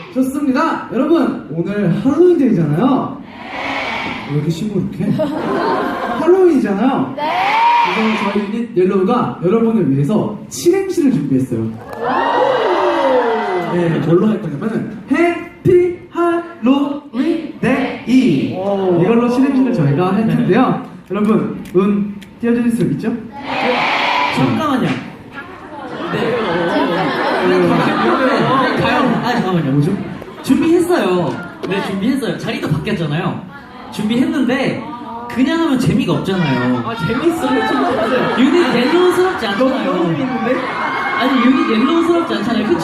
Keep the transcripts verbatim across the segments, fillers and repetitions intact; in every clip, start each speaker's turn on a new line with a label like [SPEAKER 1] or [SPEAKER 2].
[SPEAKER 1] 좋습니다. 여러분, 오늘 할로윈데이잖아요. 왜 이렇게 시무룩해? 할로윈이잖아요. 그래서 저희 유닛 옐로우가 여러분을 위해서 칠행시를 준비했어요. 네, 뭘로 할 거냐면은 해피 할로윈 데이 이걸로 칠행시를 저희가 할 텐데요. 여러분, 운 띄워주실 수 있죠?
[SPEAKER 2] 잠깐만요. 네. 가요. 아 잠깐만요.
[SPEAKER 1] 뭐죠?
[SPEAKER 2] 준비했어요. 네 준비했어요. 자리도 바뀌었잖아요. 준비했는데 그냥 하면 재미가 없잖아요.
[SPEAKER 3] 아 재밌어요. 진짜.
[SPEAKER 2] 유닛 옐로우스럽지 않잖아요.
[SPEAKER 3] 너무 재밌는데?
[SPEAKER 2] 아니 유닛 옐로우스럽지 않잖아요. 그쵸?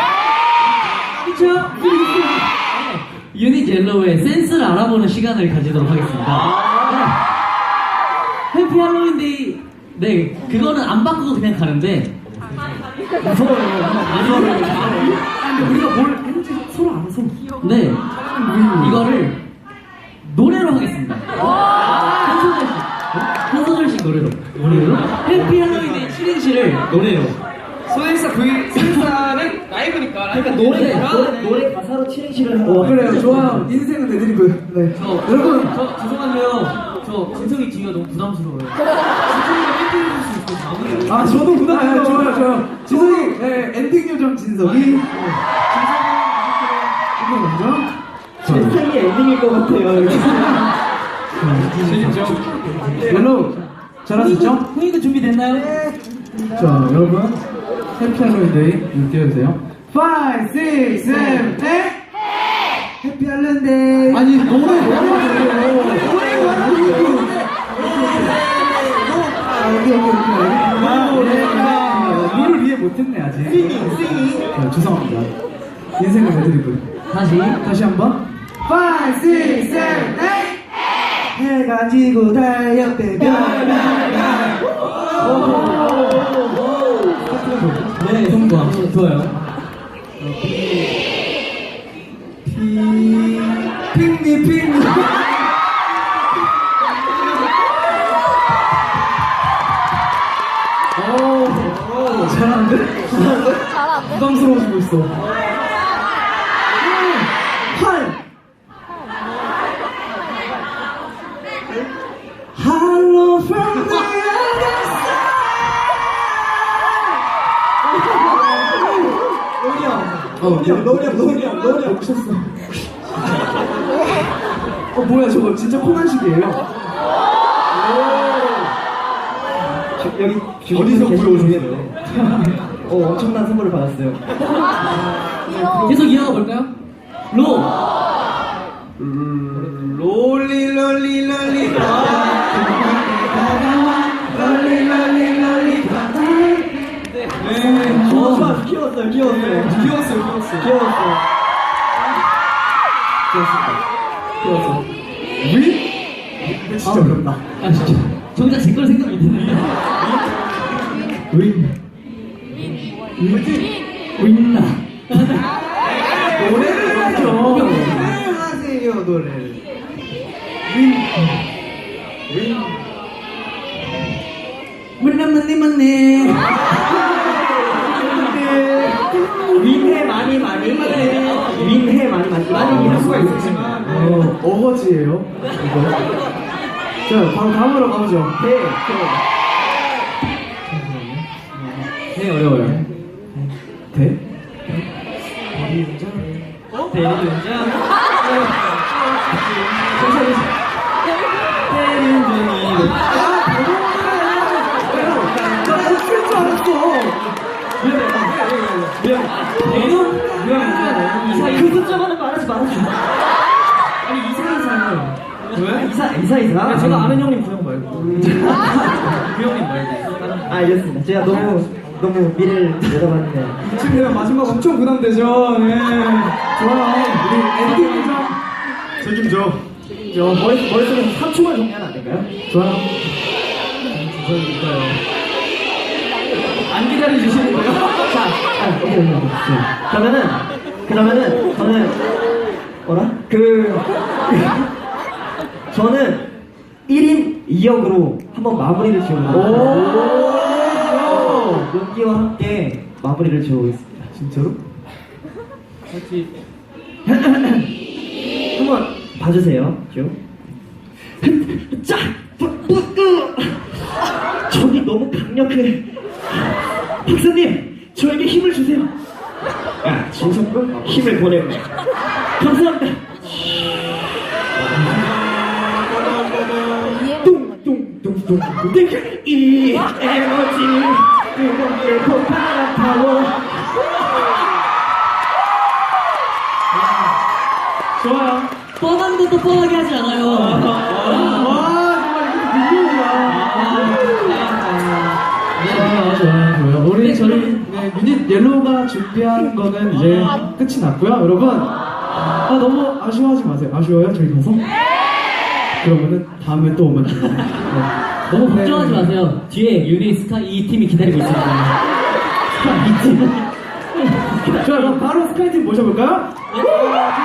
[SPEAKER 2] 그쵸? 유닛 옐로우의 센스를 알아보는 시간을 가지도록 하겠습니다. 네. 해피 할로윈데이. 네 그거는 안 바꾸고 그냥 가는데
[SPEAKER 3] 무서워요.
[SPEAKER 2] 무서워요.
[SPEAKER 1] 근데 우리가 뭘 했는지 서로 알아서.
[SPEAKER 2] 네 이거를 노래로 하겠습니다. 한 소절씩 한 소절씩 노래로 노래로 해피 할로윈데이 칠행시를 노래로.
[SPEAKER 3] 소행사 V 소행사는 라이브니까. 그러니까 노래 노래, 노래 가사로 칠행시를 하는
[SPEAKER 1] 어,
[SPEAKER 3] 거.
[SPEAKER 1] 그래요. 좋아요. 인생은 애드리브. 네.
[SPEAKER 2] 저,
[SPEAKER 1] 여러분,
[SPEAKER 2] 저 죄송한데요. 저 진성이 뒤가 너무 부담스러워요. 진성이가 멘트 해줄 수 있어요. 마무리.
[SPEAKER 1] 아, 저도 부담해요. 좋아요, 좋아요. 진석이, 네, 엔딩 요정 진석이. 네. 이거 먼저.
[SPEAKER 3] 진상이 엔딩일 것 같아요.
[SPEAKER 1] 재밌죠? 옐로우, 잘할 수 있죠?
[SPEAKER 2] 후이도 준비됐나요?
[SPEAKER 1] 자, 여러분. 해피 할로윈데이, 눈 띄워주세요. 오, 육, 칠, 팔 해피 할로윈데이. 아니, 노래, 노래, 노래. 아, 여기, 여기, 여기. 아, 룰을 이해 못했네, 아직. 싱잉, 싱잉. 자, 죄송합니다. 인생을 해드리고.
[SPEAKER 2] 다시.
[SPEAKER 1] 다시 한 번. 오, 육, 칠, 팔 해가 지고 달렸대, 별, 별, 별.
[SPEAKER 2] 네, 통과. 좋아요.
[SPEAKER 1] 피, 핑미, 핑미. 오, 잘하는데?
[SPEAKER 4] 잘하는데?
[SPEAKER 1] 부담스러워지고 있어. 팔. Hello from the other side. 어,
[SPEAKER 3] 노력 노력 노력.
[SPEAKER 1] 미쳤어. 어, 뭐야, 저거 진짜 코난식이에요.
[SPEAKER 3] 여기
[SPEAKER 1] 어디서
[SPEAKER 3] 불러오셨어요? 어 엄청난 선물을 받았어요.
[SPEAKER 4] 귀여워.
[SPEAKER 2] 계속 이어가 볼까요? 로.
[SPEAKER 1] 롤리 롤리 롤리 롤리 롤리 롤리
[SPEAKER 3] 네, 좋아 좋아 귀여웠어요 귀여웠어요
[SPEAKER 1] 귀여웠어요 귀여웠어요
[SPEAKER 3] 귀여웠어요.
[SPEAKER 1] 귀여웠어. 위? 진짜 어렵다.
[SPEAKER 2] 아 진짜. 정작 제 걸 생각 못했는데.
[SPEAKER 1] 위?
[SPEAKER 2] 윈나.
[SPEAKER 1] 노래를 하죠. 노래를 하세요 노래를. 윈. 윈.
[SPEAKER 2] 윈나 맞네 맞네.
[SPEAKER 3] 윈해 많이 많이 윈해 많이 많이 많이 이럴 수가 있었지만
[SPEAKER 1] 어, 어거지예요. 이거. 자, 바로 다음으로 가보죠.
[SPEAKER 3] 네
[SPEAKER 2] 네 어려워요.
[SPEAKER 1] 대?
[SPEAKER 2] 어? 대리운전.
[SPEAKER 3] 그 숫자만은 말하지 말아줘.
[SPEAKER 2] 아니 이사이사요.
[SPEAKER 1] 왜?
[SPEAKER 3] 이사 이사 이사.
[SPEAKER 1] 제가 아는 형님 그 형 말고.
[SPEAKER 2] 그 형님 말고.
[SPEAKER 3] 아 알겠습니다. 제가 너무 너무 미래를 내다봤네요.
[SPEAKER 1] 지금 내가 마지막 엄청 부담되죠. 네. 좋아요. 우리 엔딩 요정. 책임져.
[SPEAKER 3] 저 머릿 머릿속에서 삼 초만 정리하면 안 될까요?
[SPEAKER 1] 좋아요.
[SPEAKER 2] 안 기다려 주시는 거예요?
[SPEAKER 3] 자, 아, 오케이, 오케이, 오케이. 그러면은 그러면은 저는 뭐라? 그 저는 일 인 이 역으로 한번 마무리를 지어보겠습니다. 연기와 함께 마무리를 지어보겠습니다.
[SPEAKER 1] 진짜로?
[SPEAKER 2] 같이
[SPEAKER 3] 한번 봐주세요. 쭉. 자, 부, 부, 으. 저기 너무 강력해. 박사님, 저에게 힘을 주세요. 야, 진석군 힘을 보냈네. 감사합니다. 뚱뚱뚱뚱뚱 이 에너지 뜨겁게 폭발한 파워.
[SPEAKER 1] 좋아요.
[SPEAKER 2] 뻔한 것도 뻔하게 하지 않아요.
[SPEAKER 1] 와, 정말 이렇게 좋아요, 좋아요, 좋아요. 우리 저희 네, 유닛 옐로우가 준비한 거는 이제 끝이 났고요, 여러분. 아, 너무 아쉬워하지 마세요. 아쉬워요, 저희 가서? 그러면은 다음에 또 오면 돼요. 네.
[SPEAKER 2] 너무 걱정하지 마세요. 뒤에 유리 스카 이 팀이 기다리고 있습니다. 스카 이 팀.
[SPEAKER 1] 좋아요, 그럼 바로 스카이팀 모셔볼까요?